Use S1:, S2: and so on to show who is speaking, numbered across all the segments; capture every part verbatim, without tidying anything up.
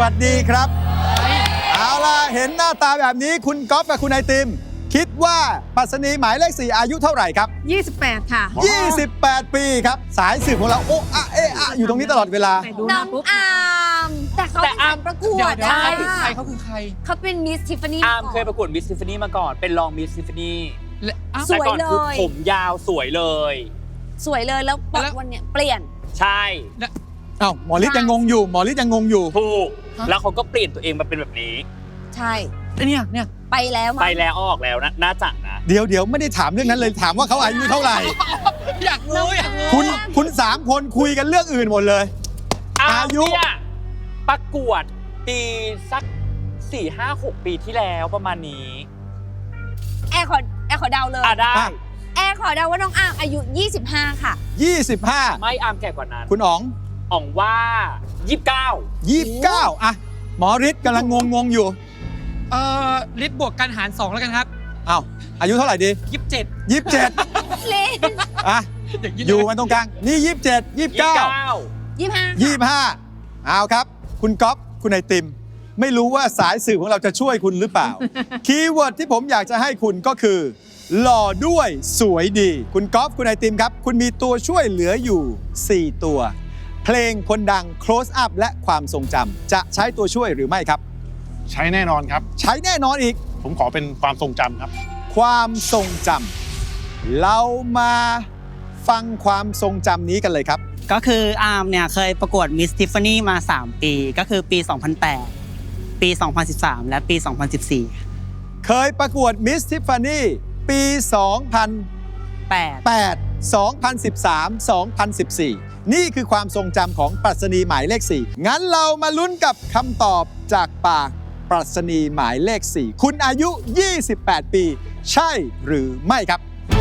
S1: วัสดีครับเอาล่ะเห็นหน้าตาแบบนี้คุณก๊อฟกับคุณไอติมคิดว่าปรัชนีหมายเลขสี่อายุเท่าไหร่ครับ
S2: ยี่สิบแปดค่ะ
S1: ยี่สิบแปดปีครับสายสืบของเราโอ้อะเอะอะอยู่ตรงนี้ตลอดเวลา
S2: น้องอาร์มแต่เขาเป็นการประกวด
S3: ใช่ใครเขาคือใคร
S2: เขาเป็นมิสทิฟฟานี่
S4: อาร์มเคยประกวดมิสทิฟฟานี่มาก่อนเป็นรองมิสทิฟฟานี่
S2: สวยเลย
S4: ผมยาวสวยเลย
S2: สวยเลยแล้ววันเนี้ยเปลี่ยน
S4: ใช่
S1: อ้าวหมอฤทธิ์ยังงงอยู่หมอฤทธิ์ยังงงอยู่
S4: ถูกแล้วเขาก็เปลี่ยนตัวเองมาเป็นแบบนี้
S2: ใช่
S3: เนี่ยเนี่ย
S2: ไปแล้ว
S4: ไปแล้วออกแล้วนะน่าจังนะ
S1: เดี๋ยวเดี๋ยวไม่ได้ถามเรื่องนั้นเลยถามว่าเขาอายุเท่าไหร่
S3: อยากรู้อยากรู้
S1: คุณคุณสามคนคุยกันเรื่องอื่นหมดเลย
S4: อายุประกวดปีสักสี่ห้าหกปีที่แล้วประมาณนี้
S2: แอร์ขอแอร์ขอเดาเลย
S4: อ่ะได้
S2: แอร์ขอเดาว่าน้องอาร์มอายุยี่สิบห้าค่ะ
S1: ยี่สิบห้า
S4: ไม่อาร์มแก่กว่านั้น
S1: คุณอ๋อง
S4: อ๋องว่ายี่สิบเก้า
S1: ยี่สิบเก้าอะหมอฤทธิ์กำลังงงงอยู่
S3: เอ่อฤทธิ์บวกกันหารสองแล้วกันครับ
S1: อ้าวอายุเท่าไหร่ดี
S3: ยี่สิบเจ็ด
S1: ยี่สิบเจ็ด
S2: เล่น
S1: อ่ะอยู่มันตรงกลางนี่ยี่สิบเจ็ดยี่สิบเก้า
S2: ยี่สิบห้า
S1: ยี่สิบห้าเอาครับคุณก๊อฟคุณไอติมไม่รู้ว่าสายสื่อของเราจะช่วยคุณหรือเปล่า คีย์เวิร์ดที่ผมอยากจะให้คุณก็คือหล่อด้วยสวยดีคุณก๊อฟคุณไอติมครับคุณมีตัวช่วยเหลืออยู่สี่ตัวเพลงคนดัง close up และความทรงจำจะใช้ตัวช่วยหรือไม่ครับ
S5: ใช้แน่นอนครับ
S1: ใช้แน่นอนอีก
S5: ผมขอเป็นความทรงจำครับ
S1: ความทรงจำเรามาฟังความทรงจำนี้กันเลยครับ
S6: ก็คืออาร์มเนี่ยเคยประกวดมิสทิฟฟานี่มาสามปีก็คือปีสองพันแปดปีสองพันสิบสามและปีสองพันสิบสี่
S1: เคยประกวดมิสทิฟฟานี่ปีสองพันแปด สองพันสิบสาม สองพันสิบสี่นี่คือความทรงจำของปรัชนีหมายเลขสี่งั้นเรามาลุ้นกับคำตอบจากปากปรัชนีหมายเลขสี่คุณอายุยี่สิบแปดปีใช่หรือไม่ครับ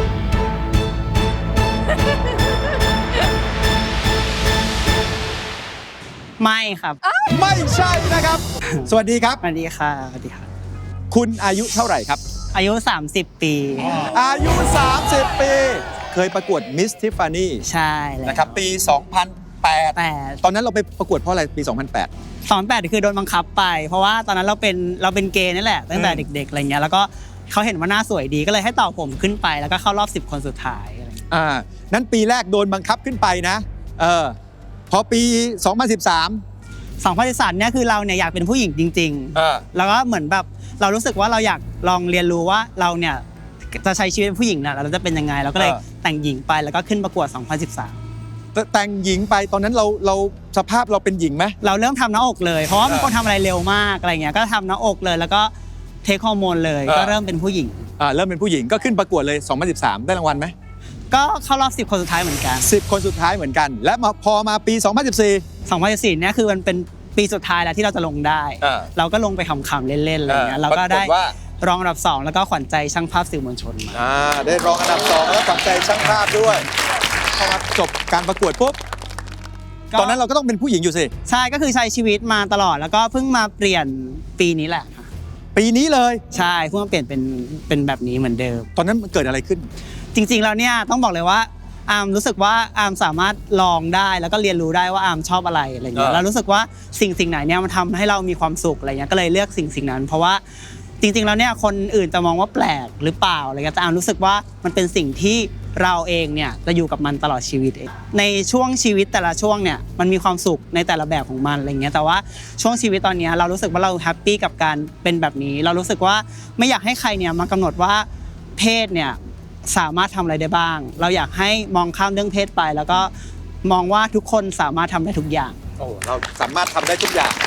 S6: ไม่ครับ
S1: ไม่ใช่นะครับสวัสดีครับ
S6: สวัสดีค่ะสวัสดีค่ะ
S1: คุณอายุเท่าไหร่ครับ
S6: อายุสามสิบปี
S1: อายุสามสิบปีเคยประกวดมิสทิฟฟานี่
S6: ใช่แล้ว
S1: นะครับปีสองพันแปดตอนนั้นเราไปประกวดเพราะอะไรปีสองพันแปด
S6: สองพันแปดคือโดนบังคับไปเพราะว่าตอนนั้นเราเป็นเราเป็นเกย์นี่แหละตั้งแต่เด็กๆอะไรเงี้ยแล้วก็เขาเห็นว่าหน้าสวยดีก็เลยให้ต่อผมขึ้นไปแล้วก็เข้ารอบสิบคนสุดท้าย
S1: อ่านั้นปีแรกโดนบังคับขึ้นไปนะเออพอปีสองพันสิบสาม
S6: สองพันสิบสามเนี่ยคือเราเนี่ยอยากเป็นผู้หญิงจริงๆแล้วก็เหมือนแบบเรารู้สึกว่าเราอยากลองเรียนรู้ว่าเราเนี่ยจะใช้ชีวิตเป็นผู้หญิงน่ะเราจะเป็นยังไงเราก็เลยแต่งหญิงไปแล้วก็ขึ้นประกวดสองพันสิบสาม
S1: แต่งหญิงไปตอนนั้นเราเราสภาพเราเป็นหญิงไหม
S6: เราเริ่มทำหน้าอกเลยเพราะว่ามันคนทำอะไรเร็วมากอะไรเงี้ยก็ทำหน้าอกเลยแล้วก็เทคฮอร์โมนเลยก็เริ่มเป็นผู้หญิง
S1: อ่าเริ่มเป็นผู้หญิงก็ขึ้นประกวดเลยสองพันสิบสามได้รางวัลไหม
S6: ก็เข้ารอบสิบคนสุดท้ายเหมือนกัน
S1: สิบคนสุดท้ายเหมือนกันและมาพอมาปีสองพันสิบสี่
S6: สองพันสิบสี่เนี่ยคือมันเป็นปีสุดท้ายแล้วที่เราจะลงได้เราก็ลงไปขำๆเล่นๆอะไรเงี้ยเราก็ได้รองอันดับสองแล้วก็ขวัญใจช่างภาพสื่อมวลชนมา
S1: อ่าได้รองอันดับสองแล้วขวัญใจช่างภาพด้วยพอมาจบการประกวดปุ๊บตอนนั้นเราก็ต้องเป็นผู้หญิงอยู่สิ
S6: ใช่ก็คือใช้ชีวิตมาตลอดแล้วก็เพิ่งมาเปลี่ยนปีนี้แหละ
S1: ปีนี้เลย
S6: ใช่เพิ่งมาเปลี่ยนเป็นเป็นแบบนี้เหมือนเดิม
S1: ตอนนั้นเกิดอะไรขึ้น
S6: จริงๆแล้วเนี่ยต้องบอกเลยว่าอาร์มรู้สึกว่าอาร์มสามารถลองได้แล้วก็เรียนรู้ได้ว่าอาร์มชอบอะไรอะไรเงี้ยแล้วรู้สึกว่าสิ่งสิ่งไหนเนี่ยมันทำให้เรามีความสุขอะไรเงี้ยก็เลยเลือกสิ่งสิ่งนั้นเพราะว่าจริงๆแล้วเนี่ยคนอื่นจะมองว่าแปลกหรือเปล่าอะไรเงี้ยแต่อาร์มรู้สึกว่ามันเป็นสิ่งที่เราเองเนี่ยจะอยู่กับมันตลอดชีวิตเองในช่วงชีวิตแต่ละช่วงเนี่ยมันมีความสุขในแต่ละแบบของมันอะไรเงี้ยแต่ว่าช่วงชีวิตตอนนี้เรารู้สึกว่าเราแฮปปี้กับการเป็นแบบนี้เรารู้สึกว่าไม่อยากให้ใครเนี่ยมากำหนดว่าเพศเนี่ยสามารถทำอะไรได้บ้างเราอยากให้มองข้ามเรื่องเพศไปแล้วก็มองว่าทุกคนสามารถทำได้ทุกอย่าง
S1: โอ้เราสามารถทำได้ทุกอย่าง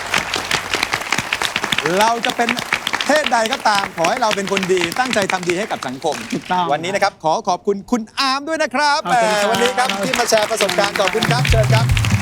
S1: เราจะเป็นเพศใดก็ตามขอให้เราเป็นคนดีตั้งใจทำดีให้กับสังคมวันนี้นะครับขอขอบคุณคุณอาร์มด้วยนะครับวันนี้ครับที่มาแชร์ประสบการณ์ขอบคุณครับเชิญครับ